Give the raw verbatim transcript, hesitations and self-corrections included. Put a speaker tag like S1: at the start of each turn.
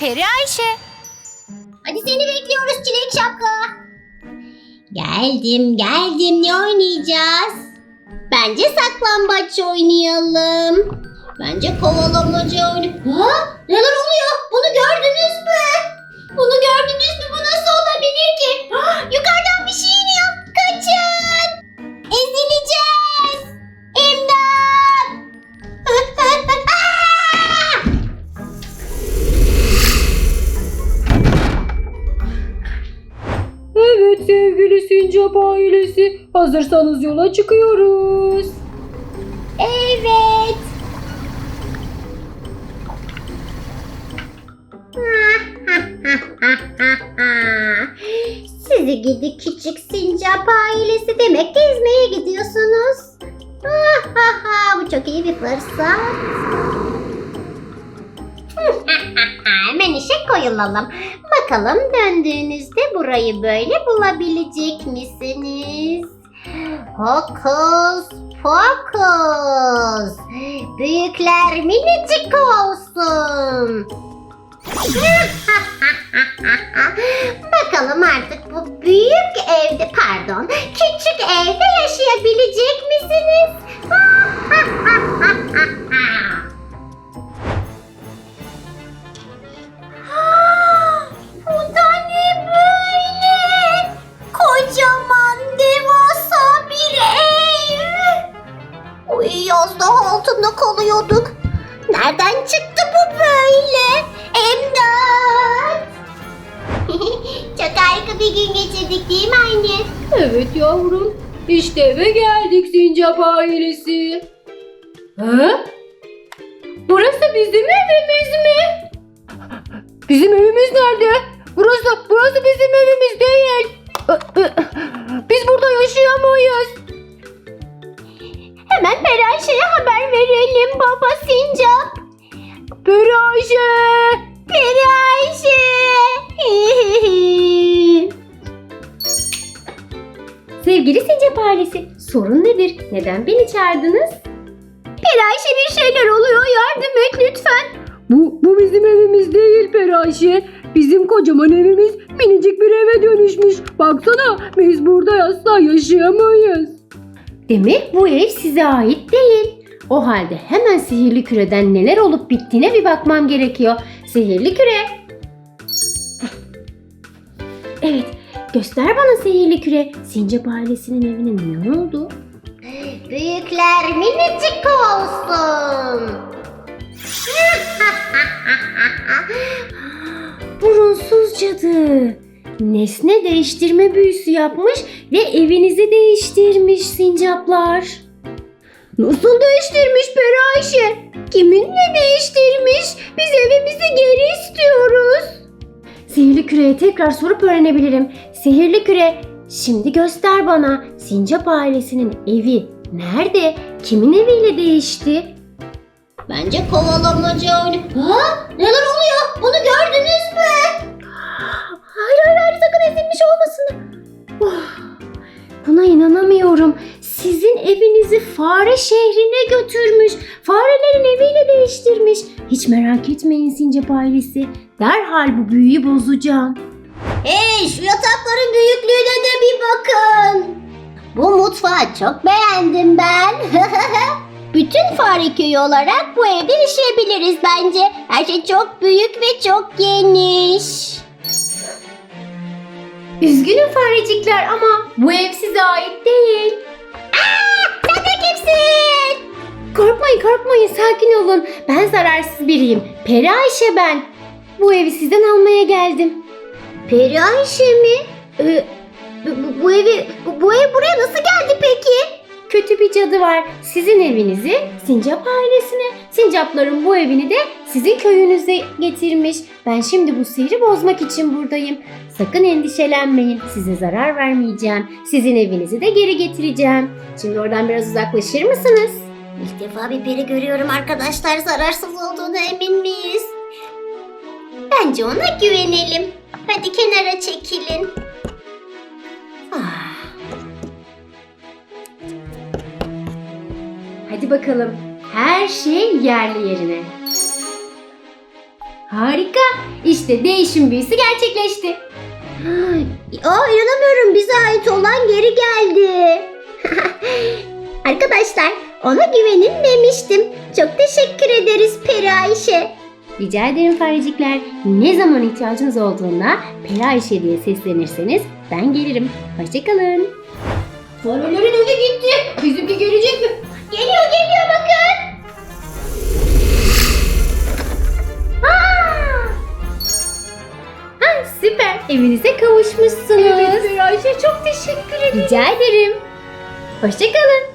S1: Peri Ayşe.
S2: Hadi seni bekliyoruz Çilek Şapka. Geldim geldim, ne oynayacağız? Bence saklambaç oynayalım. Bence kovalamaca oynayalım. Ha? Neler oluyor? Bunu gördünüz mü? Bunu gördünüz mü? Bu nasıl olabilir ki? Ha, yukarıdan bir şey iniyor. Kaçın! Ezileceğiz! İmdat!
S3: Evet sevgili Sincap ailesi, hazırsanız yola çıkıyoruz.
S2: Evet. Sizi gidi küçük sincap ailesi, demek gezmeye gidiyorsunuz. Bu çok iyi bir fırsat. Hemen işe koyulalım. Bakalım döndüğünüzde burayı böyle bulabilecek misiniz? Hokus pokus. Büyükler minicik olsun. Bakalım artık bu büyük evde, pardon, küçük evde yaşayabilecek misiniz? Bu da ne böyle? Kocaman, devasa bir ev. Uy, yazda altında kalıyorduk. Nereden çıktı bu böyle? İmdat! Çok harika bir gün geçirdik değil mi anne?
S3: Evet yavrum, işte eve geldik Sincap ailesi. Ha? Burası bizim evimiz mi? Bizim evimiz nerede? Burası, burası bizim evimiz değil. Biz burada yaşayamayız.
S2: Hemen Peri Ayşe'ye haber verelim baba sincap.
S3: Peri Ayşe!
S2: Peri Ayşe!
S3: Sevgili Sincap ailesi, sorun nedir? Neden beni çağırdınız?
S2: Peri Ayşe, bir şeyler oluyor, yardım et lütfen.
S3: Bu, bu bizim evimiz değil Peri Ayşe. Bizim kocaman evimiz minicik bir eve dönüşmüş. Baksana, biz burada asla yaşayamayız. Demek bu ev size ait değil. O halde hemen sihirli küreden neler olup bittiğine bir bakmam gerekiyor. Sihirli küre. Evet, göster bana sihirli küre. Sincap ailesinin evine ne oldu?
S2: Büyükler minicik olsun.
S3: Burunsuz cadı. Nesne değiştirme büyüsü yapmış ve evinizi değiştirmiş sincaplar. Nasıl değiştirmiş Peri Ayşe? Kiminle değiştirmiş? Biz evimizi geri istiyoruz. Sihirli küreye tekrar sorup öğrenebilirim. Sihirli küre, şimdi göster bana. Sincap ailesinin evi nerede? Kimin eviyle değişti?
S2: Bence kovalamaca oynayalım. Ha? Neler oluyor? Bunu gördünüz mü?
S3: Hayır hayır hayır, sakın ezilmiş olmasın. Oh, buna inanamıyorum. Sizin evinizi fare şehrine götürmüş. Farelerin eviyle değiştirmiş. Hiç merak etmeyin Sincap ailesi. Derhal bu büyüyü bozacağım.
S2: Hey, şu yatakların büyüklüğüne de bir bakın. Bu mutfağı çok beğendim ben. Bütün fare köyü olarak bu evde yaşayabiliriz bence. Her şey çok büyük ve çok geniş.
S3: Üzgünüm farecikler ama bu ev size ait değil.
S2: Aa, sen de kimsin?
S3: Korkmayın korkmayın, sakin olun. Ben zararsız biriyim. Peri Ayşe ben. Bu evi sizden almaya geldim.
S2: Peri Ayşe mi? Ee, bu, bu evi, bu, bu ev buraya nasıl geldi peki?
S3: Kötü bir cadı var. Sizin evinizi Sincap ailesine, sincapların bu evini de sizin köyünüze getirmiş. Ben şimdi bu sihri bozmak için buradayım. Sakın endişelenmeyin. Size zarar vermeyeceğim. Sizin evinizi de geri getireceğim. Şimdi oradan biraz uzaklaşır mısınız?
S2: İlk defa bir peri görüyorum arkadaşlar. Zararsız olduğuna emin miyiz? Bence ona güvenelim. Hadi kenara çekilin. Ah.
S3: Hadi bakalım. Her şey yerli yerine. Harika. İşte değişim büyüsü gerçekleşti.
S2: Aa, inanamıyorum, bize ait olan geri geldi. Arkadaşlar, ona güvenilmemiştim. Çok teşekkür ederiz Peri Ayşe.
S3: Rica ederim farecikler. Ne zaman ihtiyacınız olduğunda Peri Ayşe diye seslenirseniz ben gelirim. Hoşçakalın. Farelerin evi gitti. Bizimki gelecek mi?
S2: Geliyor geliyor, bakın.
S3: Ha, süper. Evinize kavuşmuşsunuz. Evet Peri Ayşe, çok teşekkür ederim. Rica ederim. Hoşçakalın.